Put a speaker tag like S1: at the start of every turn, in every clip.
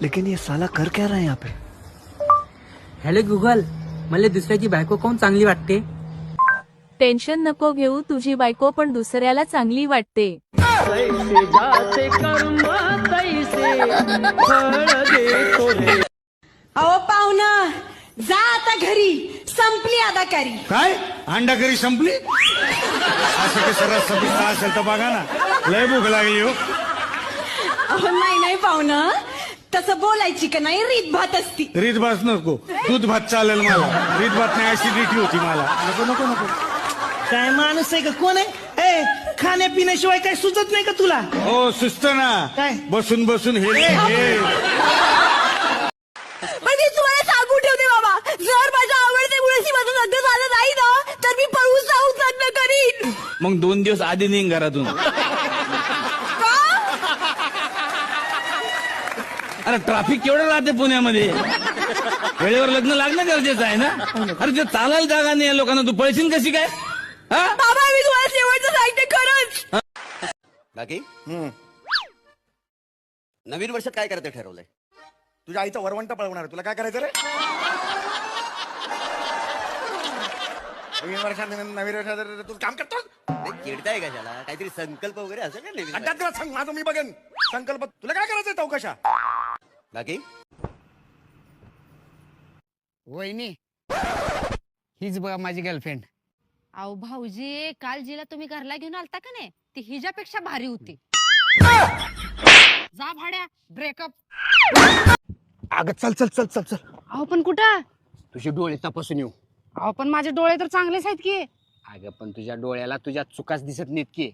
S1: लेकिन ये साला कर क्या रहा है यहाँ पे?
S2: हॅलो गुगल, मला दुसऱ्याची बायको कोण चांगली वाटते?
S3: टेन्शन नको घेऊ, तुझी बायको पण दुसऱ्याला चांगली वाटते.
S4: अहो पाहुणा, जा आता घरी, संपली अदाकारी.
S5: काय अंडा करी संपली? असं काही सरस संपला असेल तर बघा ना, लय भूक लागली हो.
S4: अहो नाही पाहुणा, तसं बोलायची का नाही, रीत भात असती.
S5: रीत भात नको, दूध भात चालेल मला. रीत भात नाही, ऍसिडिटी होती मला. नको नको नको.
S6: काय माणूस आहे का, कोण आहे? खाण्यापिण्याशिवाय काय सुचत नाही का तुला?
S5: हो सुस्त ना,
S6: काय?
S5: बसून बसून हे
S4: पण मी तुम्हाला सांगून ठेवते बाबा, जर माझ्या आवडते मुलाशी माझं लग्न झालं नाही ना, तर मी पळून जाऊन लग्न करीन.
S7: मग 2 दिवस आधी निघ घरातून. अरे ट्रॅफिक केवढं राहते पुण्यामध्ये, वेळेवर लग्न लागणं गरजेचं आहे ना. अरे ते चालायला जागा नाही या लोकांना, तू पळशील कशी काय?
S4: बाबा मी तुम्हाला शेवटचं सांगते खरंच.
S8: बाकी नवीन वर्षात काय करायचं ठरवलंय?
S5: तुझ्या आईचा वरवंट पळवणार, तुला काय करायचं रे? नवीन वर्षात तू काम करतोस?
S8: चिडताय कशाला? काहीतरी संकल्प वगैरे असेल ना नवीन?
S5: अड्ड्यात तुला सांग, माझं मी बघेन संकल्प. तुला काय करायचंय चौकशा?
S8: बाकी
S6: वहिनी, हीच बघा माझी गर्लफ्रेंड.
S9: अहो भाऊजी, काल जिला तुम्ही घरला घेऊन आलता का नाही, ती हिच्यापेक्षा भारी होती. जा भाड्या, ब्रेकअप.
S6: अगं चल चल चल चल चल.
S9: अहो पण कुठं?
S6: तुझे डोळे तपासून येऊ.
S9: अहो पण माझे डोळे तर चांगलेच आहेत की.
S6: अगं पण तुझ्या डोळ्याला तुझ्या चुकाच दिसत नाहीत की.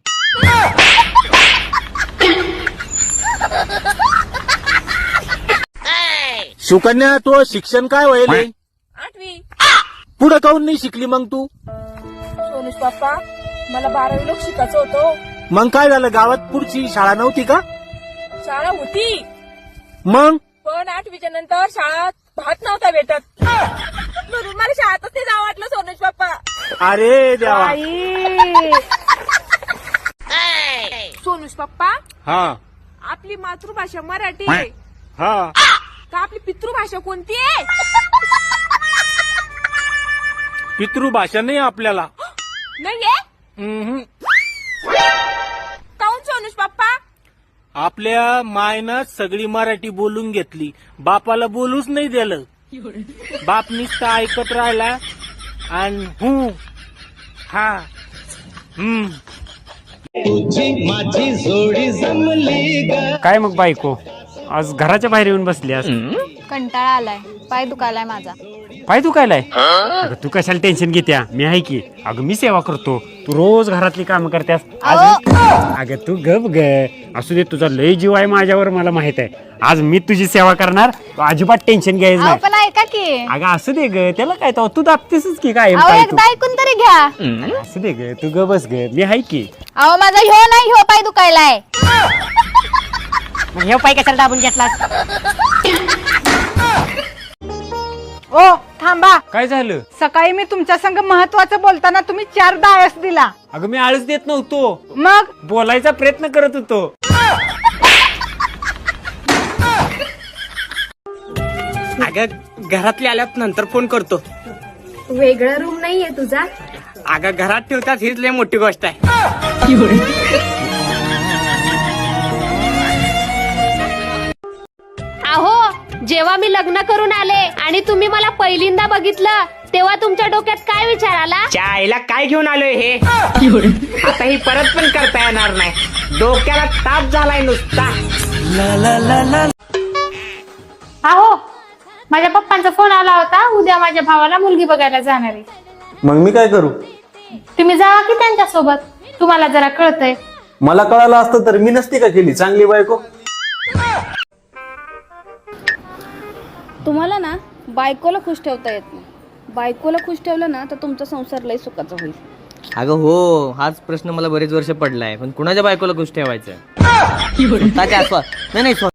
S7: सुकन्या, तो शिक्षण काय व्हायले?
S3: 8वी.
S7: पुढे काऊन नाही शिकली मग तू?
S3: सोनुष पप्पा, मला 12वी लोक शिकायचं होतं.
S7: मग काय झालं, गावात पुढची शाळा नव्हती का?
S3: शाळा होती,
S7: मग
S3: पण 8वीच्या नंतर शाळात भात नव्हता भेटत, म्हणून मला शाळेतच नाही जावं वाटलं सोनुष पप्पा.
S7: अरे देवा.
S3: सोनुष पप्पा,
S7: हा
S3: आपली मातृभाषा मराठी आहे
S7: हा.
S3: का आपली पितृभाषा कोणती आहे?
S7: पितृभाषा नाही आपल्याला.
S3: नाहीये. काऊन सोनुष पप्पा?
S7: आपल्या मायनं सगळी मराठी बोलून घेतली, बापाला बोलूच नाही दिलं. बाप नुसतं ऐकत राहिला आणि हा
S6: माझी जोडी जमली.
S10: काय मग बायको, आज घराच्या बाहेर येऊन बसली?
S9: कंटाळा आलाय, पाय दुखायलाय माझा.
S10: पाय दुखायलाय? अगं तू कशाला टेन्शन घेत्या, मी आहे की. अगं मी सेवा करतो, तू रोज घरातली कामं करतेस. अगं तू गप ग, असू दे, तुझा लय जीव आहे माझ्यावर, मला माहित आहे. आज मी तुझी सेवा करणार, तू अजिबात टेन्शन घ्यायचं नाही.
S9: पण ऐका की.
S10: अगं असू दे ग, त्याला काय तो, तू दाबतेसच की काय.
S9: एकदा ऐकून तरी घ्या.
S10: असू दे ग, तू ग बस ग, मी आहे की.
S9: अहो माझा ह्यो नाही, ह्यो पाय दुखायलाय.
S10: मग हे पाय कशाला दाबून घेतलास?
S4: ओ थांबा,
S10: काय झालं?
S4: सकाळी मी तुमच्या संग महत्वाचं बोलताना तुम्ही 4 आळस दिला.
S10: अगं मी आळस देत नव्हतो,
S4: मग
S10: बोलायचा प्रयत्न करत होतो.
S2: अगं घरातले आल्यात नंतर फोन करतो.
S9: वेगळा रूम नाहीये तुझा?
S2: अगं घरात ठेवतात, हीच लय मोठी गोष्ट आहे.
S9: अहो जेव्हा मी लग्न करून आले आणि तुम्ही मला पहिल्यांदा बघितलं, तेव्हा तुमच्या डोक्यात काय विचार आला?
S2: आईला काय घेऊन आलोय हे, आता ही परत पण करता येणार नाही. डोक्याला ताप झालाय नुसता.
S9: अहो माझ्या पप्पांचा फोन आला होता, उद्या माझ्या भावाला मुलगी बघायला जाणार आहे.
S7: मग मी काय करू?
S9: तुम्ही जावा की त्यांच्या सोबत, तुम्हाला जरा कळतंय.
S7: मला कळालं असतं तर मी नसती का केली चांगली बायको.
S11: तुम्हाला ना बायकोला खुश ठेवता येत नाही. बायकोला खुश ठेवलं ना तर तुमचा संसार लय सुखाचा होईल.
S2: अगं हो, हाच प्रश्न मला बरेच वर्ष पडलाय, पण कुणाच्या बायकोला खुश ठेवायचं? नाही